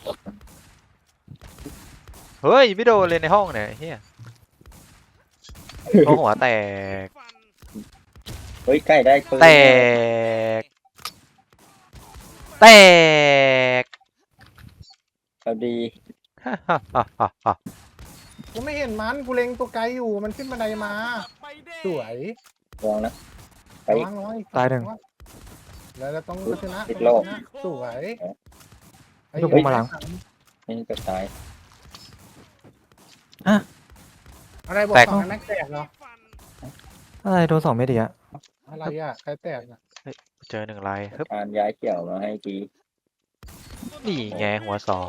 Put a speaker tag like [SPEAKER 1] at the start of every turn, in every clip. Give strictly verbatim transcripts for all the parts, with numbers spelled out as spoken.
[SPEAKER 1] เฮ้ยไม่โดนเลยในห้องเนี่ยเฮียโอ้หัวแตก
[SPEAKER 2] เฮ้ยใกล้ได้ปืน
[SPEAKER 1] แตกแตก
[SPEAKER 2] พอดี
[SPEAKER 1] ฮ่าฮ่าฮ่าฮ่าฮ่า
[SPEAKER 3] กูไม่เห็นมันกูเล็งตัวไกลอยู่มันขึ้นบันไดมาสวย
[SPEAKER 2] ลองนะไป
[SPEAKER 3] ระวังน้อยตายหนึ่งแล้วเราต้องชนะ
[SPEAKER 2] ติดโลก
[SPEAKER 3] สวย
[SPEAKER 4] ยกกูมาหลัง
[SPEAKER 2] นี่จะตาย
[SPEAKER 3] อะไรบอกสองแม็กแตกเหรอ
[SPEAKER 4] อะไรโดนสองเม็ดอีกอะ
[SPEAKER 3] อะไรอ่ะใครแตกอ่ะ
[SPEAKER 1] เจอหนึ่งลายฮึบ
[SPEAKER 2] การย้ายเกี่ยวมาให้กี
[SPEAKER 1] นี่ไงหัวสอง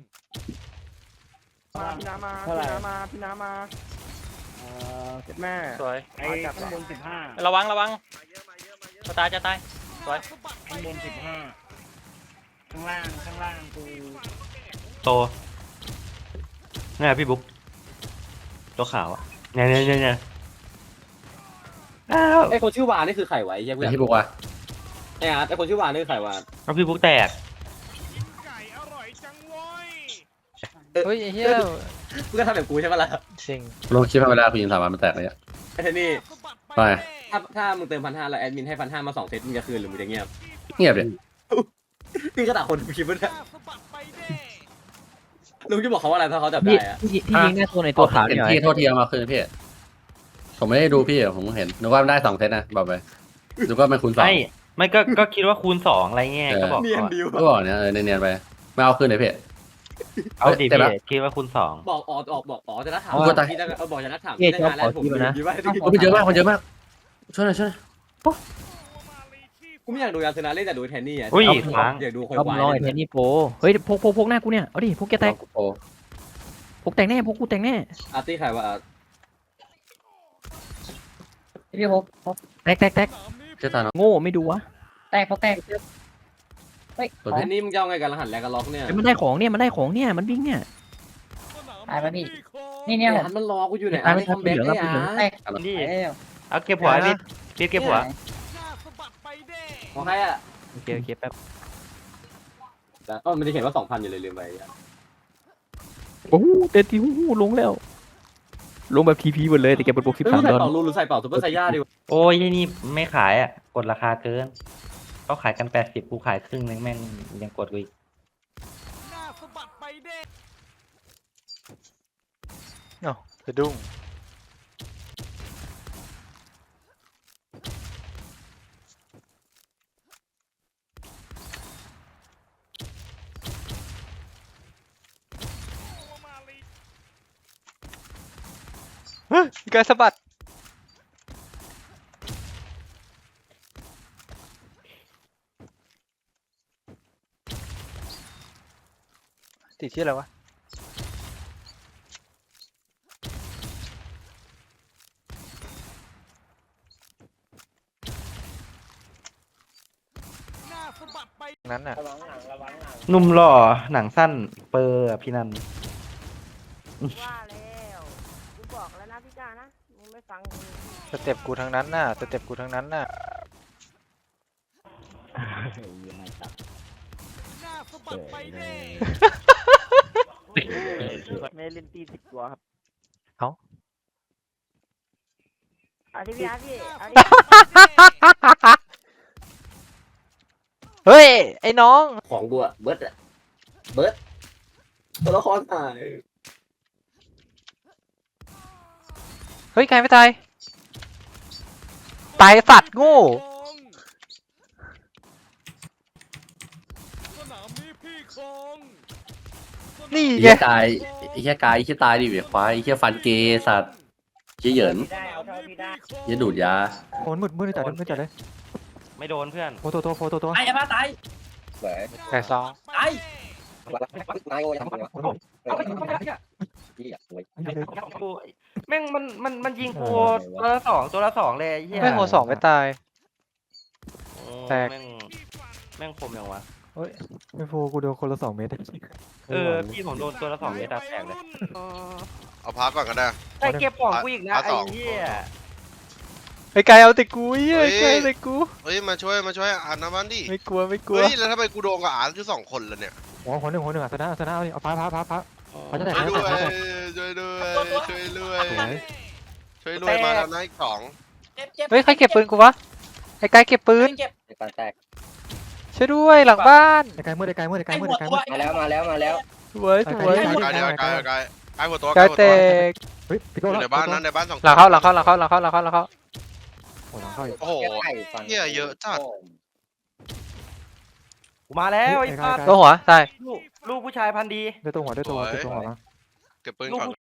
[SPEAKER 5] มาพี่น้ำมาพี่น้ำมาพี่น้ำมาเออเจ็ดแม่
[SPEAKER 6] สวย
[SPEAKER 5] ไอ้ข้างบนสิบห้า
[SPEAKER 6] ระวังระวังจะตายจะตายสวย
[SPEAKER 5] ข้างบนสิบห้าข้างล่างข้างล่างกู
[SPEAKER 7] โตนี่พี่บุ๊กตัวขาวอ่ะเนี่ยเนี่ยเนี่ยเนี่ยอ้าว
[SPEAKER 8] ไอคนชื่อวานนี่คือไข่ไว้ยัง
[SPEAKER 9] เป็นที่บอกว่า
[SPEAKER 8] ไอ้อาร์ตไอคนชื่อวานนี่คือไข่วาน
[SPEAKER 7] แล้วพี่บุ๊กแตก
[SPEAKER 1] เฮ้ยไอ้เฮีย
[SPEAKER 8] มึงก็ทำแบบกูใช่ปะล่ะ
[SPEAKER 1] จริง
[SPEAKER 9] ลองคิดว่าเวลาคุณยิงสามวันมันแตกเลยอะ
[SPEAKER 8] ไอ้เทนนี่
[SPEAKER 9] ไป
[SPEAKER 8] ถ้าถ้ามึงเติมพันห้าแล้วแอดมินให้พันห้ามาสองเซตมึงจะคืนหรือมึงจะเงียบ
[SPEAKER 9] เงียบเลย
[SPEAKER 8] นี่ก็ด่าคนคิดว่าลุงจะบอกเขาว่าอะไรถ้าเขาจับ
[SPEAKER 4] พี่
[SPEAKER 8] ได้อะ
[SPEAKER 4] พี่พี่ยิงได้ตัวในตัวขาว
[SPEAKER 9] เห็
[SPEAKER 4] นี่
[SPEAKER 9] น
[SPEAKER 4] หน่อย
[SPEAKER 9] พี่โทษทีเอามาคืนพี่ผมไม่ได้ดูพี่ผมเห็นนึกว่ามันได้สองเซตนะบอกไปดูก็เป็นคูณสอง
[SPEAKER 7] ไม่ไม่ก็ก็คิดว่าคูณสองอะไรเงี้ยก็บอก
[SPEAKER 8] เนียน
[SPEAKER 7] ก่อน
[SPEAKER 8] ดิว
[SPEAKER 9] ก็บอกเนี่ยเออเนียนๆไปไม่เอาคืนเลยพี่
[SPEAKER 7] เอาดิ
[SPEAKER 9] แต่
[SPEAKER 7] พี่
[SPEAKER 9] ละ
[SPEAKER 7] คิดว่าคูณสอง
[SPEAKER 8] บอกออกออกบอกอ๋อจะนัดถาม
[SPEAKER 9] กูก็ตาย
[SPEAKER 8] พี่จะบอกจะนัดถาม
[SPEAKER 4] เจ๊
[SPEAKER 8] พี่
[SPEAKER 4] ชอบ
[SPEAKER 8] ตั้งนานแล้ว
[SPEAKER 4] ขอ
[SPEAKER 8] ผม
[SPEAKER 4] ที่มานะ
[SPEAKER 8] ยืนไว้
[SPEAKER 9] มันเยอะมากมันเยอะมากช่วยหน่อยช่วยหน่อย
[SPEAKER 8] กูไม่อยากดูยาสนาเล่นแต่ดูแทนนี่อ่ะ
[SPEAKER 7] อุ้ย
[SPEAKER 8] เอา
[SPEAKER 7] ค้าง
[SPEAKER 8] อยากดูคน
[SPEAKER 4] เอา
[SPEAKER 8] วาย
[SPEAKER 4] น้อยแทนนี่โปเฮ้ยพกพกพกหน้ากูเนี่ยเอาดิพกแกแตก
[SPEAKER 9] โอ้
[SPEAKER 4] พกแตกแน่พกกูแตกแน่
[SPEAKER 8] อาร์ตี้ไข่ว่าอาร์ต
[SPEAKER 4] พี่พกแตกแตกแตก
[SPEAKER 9] เชื่อตาเนาะ
[SPEAKER 4] โง่ไม่ดูวะ
[SPEAKER 10] แตกเขาแตกเฮ้ย
[SPEAKER 9] ตัว
[SPEAKER 8] แท
[SPEAKER 9] พี่
[SPEAKER 8] นนี่มึงจะเอาไงกันรหัสแลกกันล็อกเนี่ย
[SPEAKER 4] เฮ้ยมันได้ของเนี่ยมันได้ของเนี่ยมันวิ่งเนี่ย
[SPEAKER 10] ตายปะพี่ นี่เนี่ย
[SPEAKER 8] ไอ้
[SPEAKER 10] ผม
[SPEAKER 8] อาร์ตมันรอกูอยู่ไหน
[SPEAKER 4] ตา
[SPEAKER 8] อาย ร์ต
[SPEAKER 4] ไม่
[SPEAKER 8] ไม่
[SPEAKER 4] ทัน
[SPEAKER 8] ทำแบ็ค
[SPEAKER 4] เหลือง
[SPEAKER 8] ได้
[SPEAKER 4] แล้ว
[SPEAKER 8] อาร์ต
[SPEAKER 10] แตก
[SPEAKER 7] นี่
[SPEAKER 10] เอ้ย
[SPEAKER 7] เอาเก็บหัวพี่พี่เก็บหัว
[SPEAKER 8] ของใครอ่ะ
[SPEAKER 4] โอเคโอเคแป๊บ
[SPEAKER 8] แต่ก็มันจะเขียนว่าสองพันอยู่เลยลืมไป
[SPEAKER 4] โอ้โหเต็มที่หูหูลงแล้ว ลงแบบทีพีหมดเลยแต่แกเป็นบวกสิบ
[SPEAKER 8] เฮ้ย
[SPEAKER 4] สาม
[SPEAKER 8] ใส่
[SPEAKER 4] ดอล
[SPEAKER 8] เป่ารูหรือใส่เป่าซุปเปอร์ไซย่าดีวะ
[SPEAKER 7] โอ้ยนี่ไม่ขายอ่ะกดราคาเกินเขาขายกันแปดสิบกูขายครึ่งนึงแม่งยังกดกูอีก
[SPEAKER 1] เอ้าสะดุ้งเฮ้ยมีการสะบัดติดที่อะไรวะนั้นน่ะ
[SPEAKER 5] ระวังหลังระวังหลัง
[SPEAKER 7] หนุ่มหล่อหนังสั้นเปอร์อะพี่นัน
[SPEAKER 11] ว่าแล้วกูบอกแล้วนะพี่จ้านะมึงไม่ฟังกู
[SPEAKER 1] สเต็ปกูทั้งนั้นน่ะสเต็ปกูทั้งนั้นน่ะ
[SPEAKER 5] ไม่เล่นตีสิบตัวครับ
[SPEAKER 11] เอาดิพี่อาร์ตพี่เอาดิ
[SPEAKER 1] เฮ้ยไอ้น้อง
[SPEAKER 8] ของกูอะเบิร์ดอะเบิร์ดตัวละครตาย
[SPEAKER 1] เฮ้ยใครไม่ตายตายสัตว์โง่นี่
[SPEAKER 9] ไอ้
[SPEAKER 1] ไง
[SPEAKER 9] เหี้ยตายไอ้เหี้ยกายไอ้เหี้ยตายดิเวียควายไอ้เหี้ยฟันเกย์สัตว์เหี้ยเหยิน
[SPEAKER 5] ได้เอาเท่าที่ได้
[SPEAKER 9] เหี้ยดูดยา
[SPEAKER 4] โอนมืดมืดจัดเลยมืดจัดเลย
[SPEAKER 7] ไม่โดนเพื่อน
[SPEAKER 4] โฟโต้โฟโต้ตัว
[SPEAKER 8] ไอ้อาร์ตตาย
[SPEAKER 2] สวย
[SPEAKER 1] ไก่ซอง
[SPEAKER 8] ตาย
[SPEAKER 2] นายโอ้ยทำไมวะ
[SPEAKER 8] เอาไปเอาไปเอาไป
[SPEAKER 2] พี่อยากสวย
[SPEAKER 7] กูแม่งมันมันมันยิงกูตัวละสองตัวละสองเลยไอ้เหี้ย
[SPEAKER 1] ไม่หัวสองไม่ตาย
[SPEAKER 7] โอ้
[SPEAKER 1] แตก
[SPEAKER 7] แม่งแม่งคมยังวะ
[SPEAKER 4] ไม่โฟกูโดนคนละสองเม็ด
[SPEAKER 7] เออพี่ผมโดนตัวละสองเมตรแตกเลย
[SPEAKER 6] เอาพักก่อนก็ได้
[SPEAKER 7] ไอ้เก็บของกูอีกนะ
[SPEAKER 6] พาร์ท
[SPEAKER 7] ไอ้
[SPEAKER 6] สอง
[SPEAKER 7] เหี้ย
[SPEAKER 1] ไอ้ไก่เอาแต่กูเหี้ย
[SPEAKER 6] เฮ้ย
[SPEAKER 1] ไก่เอาแต่กู
[SPEAKER 6] เฮ้ยมาช่วยมาช่วยอ่านน้ำมันดิ
[SPEAKER 1] ไม่กลัวไม่กลัว
[SPEAKER 6] เฮ้ยแล้วทำไมกูโดนกับอ่านคือสองคนเลยเนี่ย
[SPEAKER 4] หัวหัวหนึ่งหัวหนึ่งอ่ะชนะชนะเอาดิเอาพาพาพาพาเขาจะแตก
[SPEAKER 12] ช่วย
[SPEAKER 4] เขา
[SPEAKER 12] ด้วย
[SPEAKER 4] จะแตก
[SPEAKER 12] ช่วยด้วยช่วยด้วย
[SPEAKER 4] สวย
[SPEAKER 12] ช่วยด้วยมาแล้วนะอีกสอง
[SPEAKER 8] เจ็บเจ็บ
[SPEAKER 1] เฮ้ยใครเก็บปืนกูวะไอ้ไกด์เก็บปืน
[SPEAKER 8] เจ็บ
[SPEAKER 2] ไอ้ปานแตก
[SPEAKER 1] ช่วยด้วยหลังบ้าน
[SPEAKER 4] ไอ้ไกลมืดไอ้ไกลมืดไอ้ไกล
[SPEAKER 8] ไอ้
[SPEAKER 4] มืด
[SPEAKER 8] หัว
[SPEAKER 4] ไอ้ไกล
[SPEAKER 8] ตั
[SPEAKER 4] มื
[SPEAKER 8] ว
[SPEAKER 4] ด
[SPEAKER 2] มาแล้วมาแล้วมาแล้ว
[SPEAKER 1] สวยสวย
[SPEAKER 12] กายเดียวกายกายกายหัวตัว
[SPEAKER 1] ไกด์แตก
[SPEAKER 4] เฮ้ยพี่
[SPEAKER 12] อ
[SPEAKER 4] โก้
[SPEAKER 12] ยู่ในบ้านนั้นในบ้านสอง
[SPEAKER 1] หลังเข้าหลังเข้าหลังเข้าหลังเข้าหลังเข้าหลังเข้า
[SPEAKER 4] โอ้หลังเข้าอีก
[SPEAKER 12] โอ้โห
[SPEAKER 2] ไก่ฟัน
[SPEAKER 12] เหี้ยเยอะจัด
[SPEAKER 5] กูมาแล้วไอ้สัตว์
[SPEAKER 1] ตัวหัวตาย
[SPEAKER 5] ลูกลูกผู้ชายพันธุ์ดี
[SPEAKER 4] ได้ตัวหัวได้ตัวหัวได้ตัวหัวมา
[SPEAKER 12] เก็บปืนก่อน